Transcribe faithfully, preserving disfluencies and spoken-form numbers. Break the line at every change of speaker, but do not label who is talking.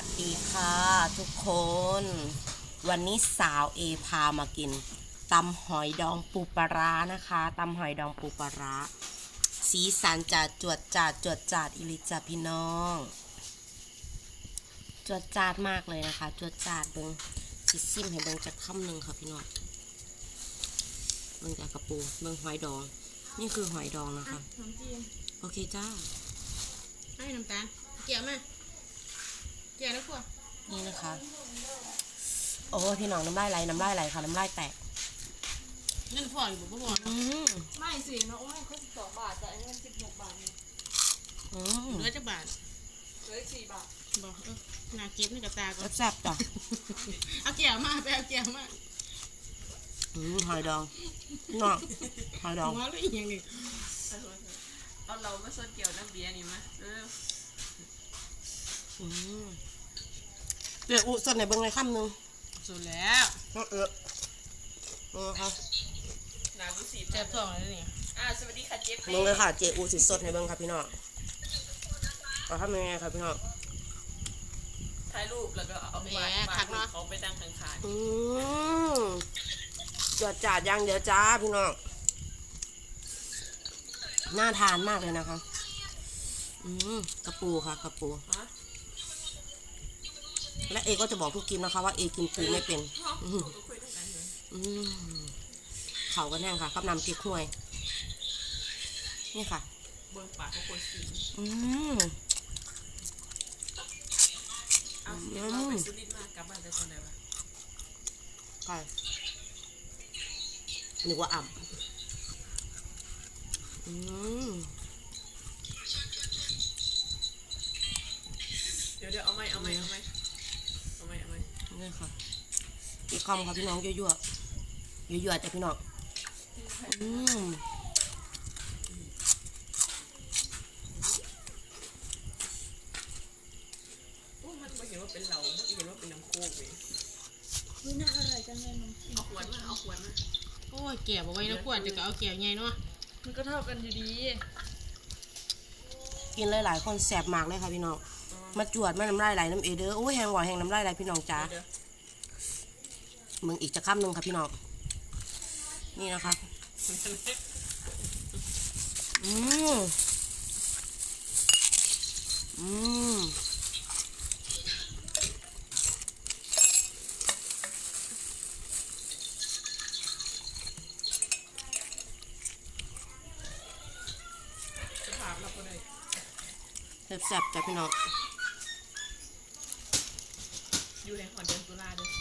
สดีค่ะทุกคนวันนี้สาวเอพามากินตำหอยดองปูปลาร้านะคะตำหอยดองปูปลาร้าสีสันจัดจวดจาดจวดจาดอิลิจาพี่น้องจวดจาดมากเลยนะคะจวดจาดเบิ้งซิซิมให้เบิ้งจากคำหนึ่งค่ะพี่น้องเบิ้งจากกระปูเบิ้งหอยดองนี่คือหอยดองนะคะโอเคจ้า
ให้น้ำตาลเกี่ยวมาเกี่ยวแล้วพวก
นี่นะคะโอ้พี่น้องน้ำลายไหลน้ำลายไหลค่ะน้ำลายแตก
เงินพออยู่บ่พอ
อืม
ไม่สิน้องโอ้ยเขาสิบสองบาทแต่อันนี้มันสิบหกบาทเนี่ย
อืม
เหลือจะบาท
เหลืออีกสี่บาท
บอกเออนาเก็บนี่กับตาก่อน
แซ่บๆจ้ะ
เอาเกี่ยวมาไปเอาเกี่ยวมา
อืมหอยดองน้องหอยดอง
หัวเลยอีกอย่างหนึ่ง
เอาเรามาสดเกี่ยวน้ำเบียร์นี่มั้ยเออ
อืมเดี๋ยวอุสดในเบิ้งในคำหนึ่ง
สุดแล้ว
น้องเอ๋อเออค่ะ
นาบุสี
เจ็บท้องแล้วเนี่ย
อ่าสวัสดีค่ะเจ๊เป้
เบิ้งเลยค่ะเจอูสิสดในเบิ้งค่ะพี่น้องเอาทำยังไงค่ะพี่น้อง
ถ่ายรูปแล้วก็เอาวาดวาดรูปเขาไปตั้งข้าง
อืมจวดจาดอย่างเดียวจ้าพี่น้องน่าทานมากเลยนะคะอืมกระปูค่ะกระปู
ๆฮะ
และเอก็จะบอกทุกกินนะคะว่าเอกินปูไม่เป็น
ห้อง
อืม
ก็คุยด้วยกันเลย
อืมเขาก็แน่งค่ะกับน้ำพริกห้วยนี่ค่ะ
เบิ้งปากเขาคนสี
อืม
เอาเดี๋ยวเราไปสุรินทร์มากลับบ้านได้คนไหนวะ
ใช่นึกว่าอ่ำอืม
เดี๋ยวเดี๋ยวเอาไหมเอาไหมเอาไหมเอาไหมเอาไหม
นี่ค่ะอีกคำค่ะพี่น้องยั่วๆยั่วๆจ้ะพี่น้องอืม
โอ้มันไม่เห็นว่าเป็นเราไม่เห็นว่าเป็นน้ำโคกเลย
วิน่าอร่อยจังเลยนม
เอาขวดมาเอาขวดมา
โอ้ยเกี่ยวเอาไว้แล้วขวดจะก็เอาเกี่ยวไงเนาะ
มันก็เท่ากันอยู่ดี
กินหลายๆคนแสบมากเลยค่ะพี่น้องมาจวดมาน้ำลายไหลน้ำเอเด้อโอ้ยแหงหวานแหงน้ำลายไหลพี่น้องจ้า
เดี๋ยว
มึงอีกจะคำหนึ่งค่ะพี่น้องนี่นะคะอืมอืม
สภาพเราก็ได้
แซ่บๆจ้ะพี่น้อง
อยู่ในหอเดือนตุลาเด้อ